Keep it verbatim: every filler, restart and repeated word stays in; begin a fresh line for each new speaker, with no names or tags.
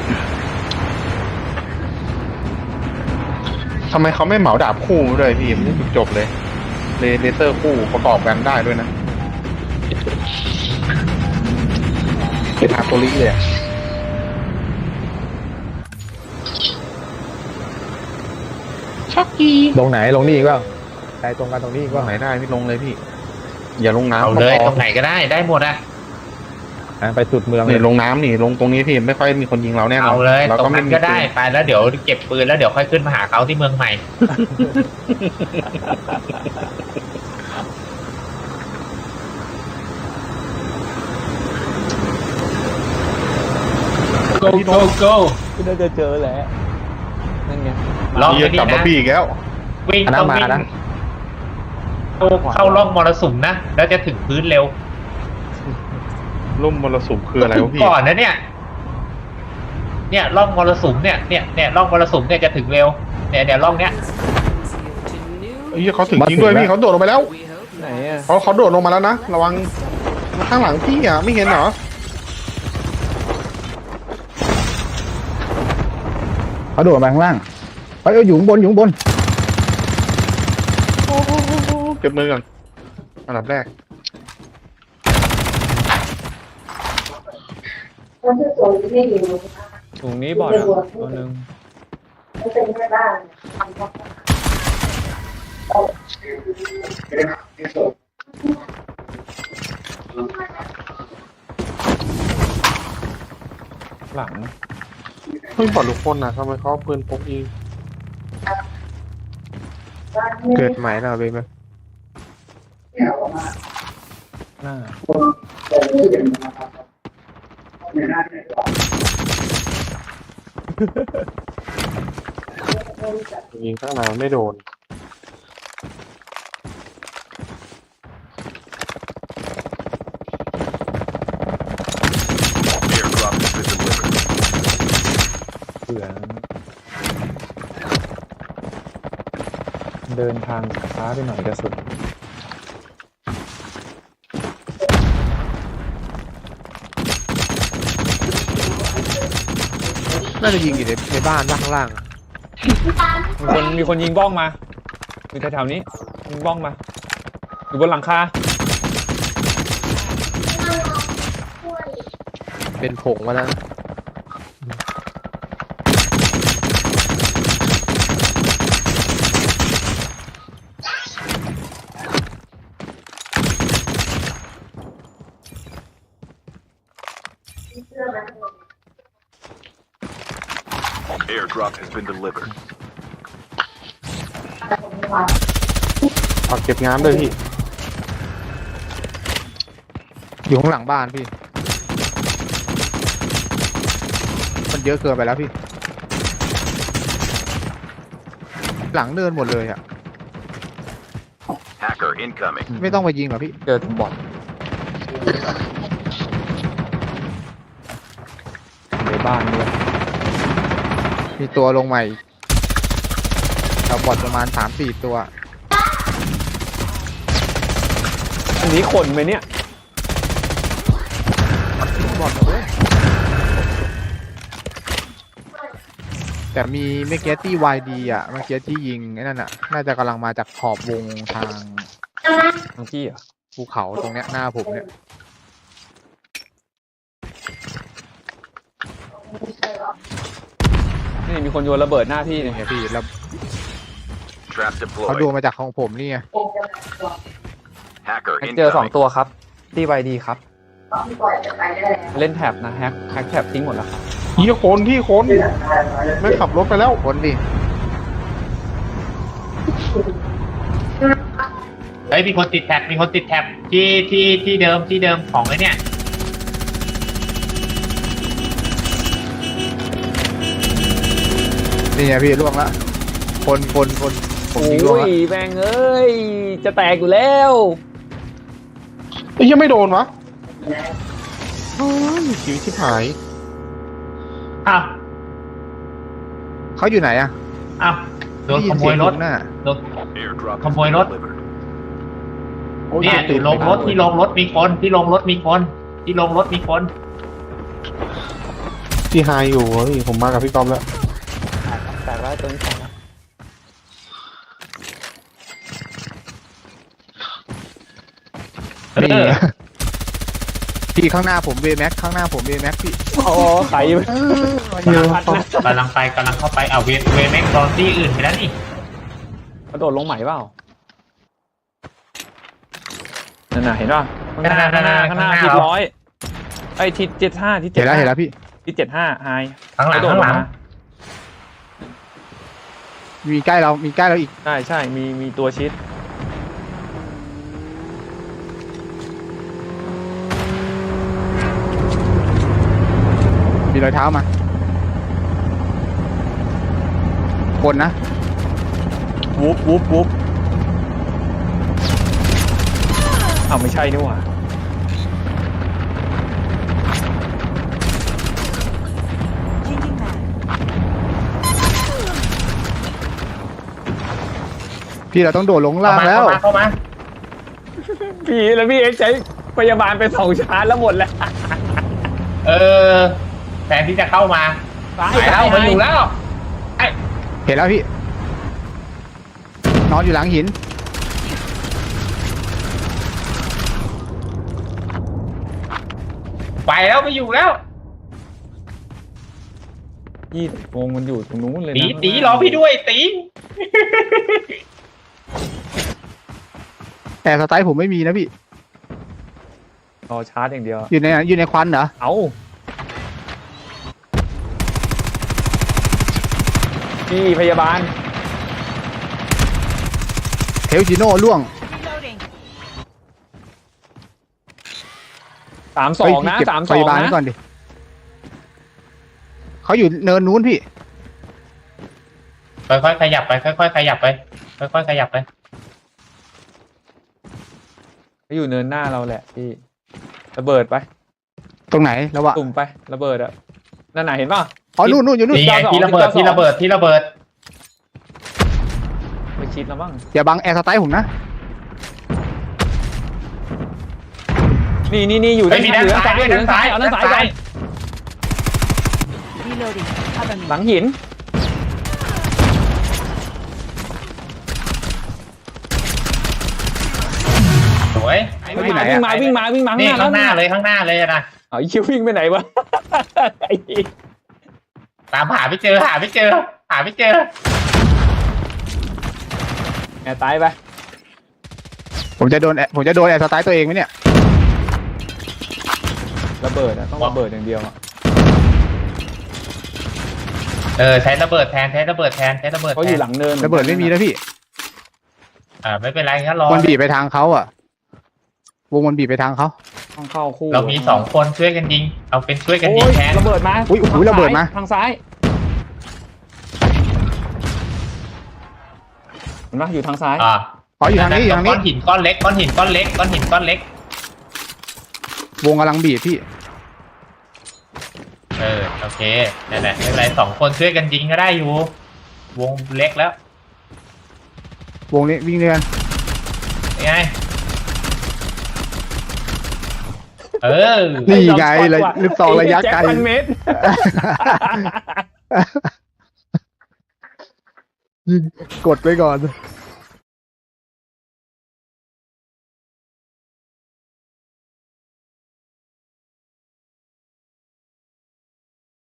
ทำไมเขาไม่เหมาดาบคู่ด้วยพี่มันจะจบเลยเลเลเซอร์คู่ประกอบกันได้ด้วยนะเป็นฮาโตริเลยช็อกกี้
ลงไหนลงนี่อีกว่าใจตรงกันตรงนี้อีก
ว่า
ว่า
ไหนได้พี่ลงเลยพี่อย่าลงน้ำ
เอาเลย
พอ
ตรงไหนก็ได้ได้หมดอะ
ไปสุดเมืองเล
นี่
ย
ลงน้ำนี่ลงตรงนี้พี่ไม่ค่อยมีคนยิงเราแน่นอน
เอาเลย
เรา
ตร
ก็
ง
ไม่
นั้น
มี
ก็ได้
ปืน
ไปแล้วเดี๋ยวเก็บปืนแล้วเดี๋ยวค่อยขึ้นมาหาเขาที่เมืองใหม่
go go go
ก็น่าจะเจอแหละนั่นไง
ลอง
เฮี
ไป
ย
นี่
กลับมา
นะ
พี่อีกแล้ว
วิ่ง
อันนั้
ต้
น
อง
มา
วิ่ง
นะ
เข้าเข้าร่องมรสุมนะแล้วจะถึงพื้นเร็ว
ร่มมรสุมคืออะไร
ถึ
วะ
ง
พี่
ก่อนนะเนี่ย เนี่ยร่องมรสุมเนี่ยเนี่ยเนี่ยร่องมรสุมเนี่ยจะถึงเร็วเนี่ยเนี่ยร่องเนี้ย
เฮียเขาถึงจริงด้วยพี่เขาโดดลงไปแล้ว
ไหนอ่ะ
เขาเขาโดดลงมาแล้วนะระวังข้างหลังพี่อ่ะไม่เห็นเหรอ
เขาโดดมาข้างล่างไปเอาอยู่ข้างบนอยู่ข้างบน
เก็บมือก่อนอันดับแรก
ถุงนี้บอดอ่ะตัวหนึ่ง หลัง
เพิ่งปลดลูกคนนะทำไมเขาเอาปืนพกยิงเกิดใหม่แล้วเบบี้
หน้า
ยิงข้างในมันไม่โดน
เผื่อเดินทางช้าไปหน่อยกระสุน
น่าจะยิงอยู่ในในบ้านบ้างข้างล่าง
มีคนมีคนยิงบ้องมาอยู่แถวๆนี้ยิงบ้องมาอยู่บนหลังคา
เป็นผงมาแล้ว
Airdrop has been delivered.
ฝากเก็บงานด้วยพี่อยู่ข้างหลังบ้านพี่มันเยอะเกินไปแล้วพี่หลังเนินหมดเลยอ่ะ
Hacker incoming.
ไม่ต้องไปยิงหรอพี่เจอทุบบอท
ในบ้านด้วย
มีตัวลงใหม่เราบอทประมาณสามสี่ตัว
อันนี้คนไหมเนี่ย
บอทเลยแต่มีเมื่อกี้ที่ วาย ดี อ่ะเมื่อกี้ที่ยิงไอ้นั่นอ่ะน่าจะกำลังมาจากขอบวงทาง
ทางที่เหรอ่ะ
ภูเขาตรงเนี้ยหน้าผมเนี่ย
นี่มีคนโยนระเบิดหน้าพี่
นี่
เนี่ย
ไงพี่แล้ว
Trap
เขาดู
deployed.
มาจากของผมนี่ไง
Hacker
เจอสอง
incoming.
ตัวครับตีไวดีครับ เล่นแท็บนะแฮกแฮกแท็บทิ้งหมดแล้วครับ
เฮียคนที่คนไม่ขับรถไปแล้วคนดิ
เฮ้ยมีคนติดแท็บมีคนติดแท็บที่ที่ที่เดิมที่เดิมของไอ้เนี่ย
นี่ไงพี่ล่วงละคนคนคนผมยิงล่วงละ
แม่งเอ้ยจะแตกอยู่แล้ว
ไอ้ยังไม่โดนวะโอ้ยชีวิตชิบหาย
อ้าว
เขาอยู่ไหนอะ
อ้าวโดนขโมยรถ
น่ะ
โดน
Airdrop has
Không vui
been
lốt.
delivered.
เนี่ยอยู่ลงรถที่ลงรถมีคนที่ลงรถมีคนที่ลงรถมีคน
พี่ไฮอยู่เฮ้ยผมมากับพี่ก๊อฟแล้ว
แตกแล้วตัวนี้แตกแล้ว
เอ
นี่
อ
พี่ข้างหน้าผมเวแม็กข้างหน้าผมเวแม็กพี่
โอ้ใส่ไป
เยอะ
พัดนะ
กำลังไปกำลังเข้าไปเอาเวเวแม็กซ์ตอนที่อื่นไปแล้วนี่
กระโดดลงใหม่เปล่านั่นน่ะเห็นป่ะข้างหน้าข้างหน้าข้างหน้าทิศร้อยไอ้ทิศเจ็ดห้าทิศ
เห็
เจ็
น
ด
แล้วเห็นแล้วพี่
ทิศเจ็ดห้าไฮ
ข้างหลัง
กระโดด
ข้างหลัง
มา
มีใกล้เรามีใกล้เราอีก
ใช่ใช่มีมีตัวชิด
มีรอยเท้ามาคนนะ
วูบวูบวูบอ้าวไม่ใช่นี่หว่า
พี่เราต้องโดดลง
เข้า
ล่าง
มา
แล้ว
เข้ามาเข้ามา
พี่แล้วพี่เอ็กซ์ใช้พยาบาลไปสองชาร์จแล้วหมดแล้ว
เออแทนที่จะเข้ามา
ตาย
ไปแล้วมาอยู่แล้วไอ้
เห็นแล้วพี่ นอนอยู่หลังหิน
ไปแล้วไม่อยู่แล้ว
ยี่วงมันอยู่ตรงนู้นเลยนะ
ตีตีรอพี่ด้วยตี
แต่สไตล์ผมไม่มีนะพี่
รอชาร์จอย่างเดียว
อยู่ในอยู่ในควันเหรอ
เอาพี่พยาบาล
เทลจิโน่ล่วง
สามสองนะ
เฮ้ยพี่เก็บ
สามส
พ
อง
ยาบาลไว้
นะ
ก่อนดิเขาอยู่เนินนู้นพี่
ค่อยๆขยับไปค่อยๆขยับไปค่อยๆขยับไป
เขาอยู่เนินหน้าเราแหละพี่ระเบิดไป
ตรงไหนแล้ววะ
ตุ่มไประเบิดอะนั่นไหนะเห็นป่ะ
อ๋อนู่นนู่นอยู่นู่น
นี่ไงที่ระเบิดที่ระเบิดที่ระเบิด
ไปชิดแล้วบ้าง
อย่าบังแอร์สไตล์ผมนะ
นี่นี่นี่อยู่
เฮ้ยมีด้านซ้าย
เห
ด้วย
ลื
ด้านซ้าย
เอาด้านซ้ายไป
Reloading. Cover me.
หลังหิน
สวย
เขาอยู่ไหน
วิ่ง
อะ
มาวิ่งมาวิ่งมา
นี่
วิ่งมา
ข้างหน้าเลยข้างหน้าเลยนะ
เอาไอ้คิววิ่งไปไหนวะ ไอ้
ตามหาไม่เจอหาไม่เจอ หาไม่เจอ
แอบตายไป
ผมจะโดนแอร์ผมจะโดนแอร์สไตล์ตัวเองไหมเนี่ย
ระเบิดอะต้องระเบิดอย่างเดียวอะ
เออใช้ระเบิดแทนใช้ระเมือแทนใช้ระเบิด
เขา
แท
อยู่
น
หลังเนิน
ระเบิดไม่มีนะพี่
อ่าไม่เป็นไรแค่รอ
มันบีบไปทางเขาอะวงมันบีบไปทางเขา
ต้องเข้าคู่
เรามีสองคนช่วยกันยิง เอาเป็นช่วยกันยิ
โอ้
ง
ย
แทน
ระเบิดมา
อุ้ยโอ้โหระเบิดมา
ทางซ้ายเห็นปะอยู่ทางซ้าย
อ่า
อ๋ออยู่ทางนี้อยู่ทาง
ก้
นี้
อนหินก้อนเล็กก้อนหินก้อนเล็กก้อนหินก้อนเล็ก
วงกำลังบีบพี่
เออโอเคนั่นแหละไม่เป็นไรสองคนช่วยกันยิงก็ได้อยู่ วงเล็กแล้ว
วงนี้วิ่งเรือน
ยังไงเออ
นี่ไงเลยลูกซองระยะไกล
แจ็คพันเมตร
ยิงกดไปก่อน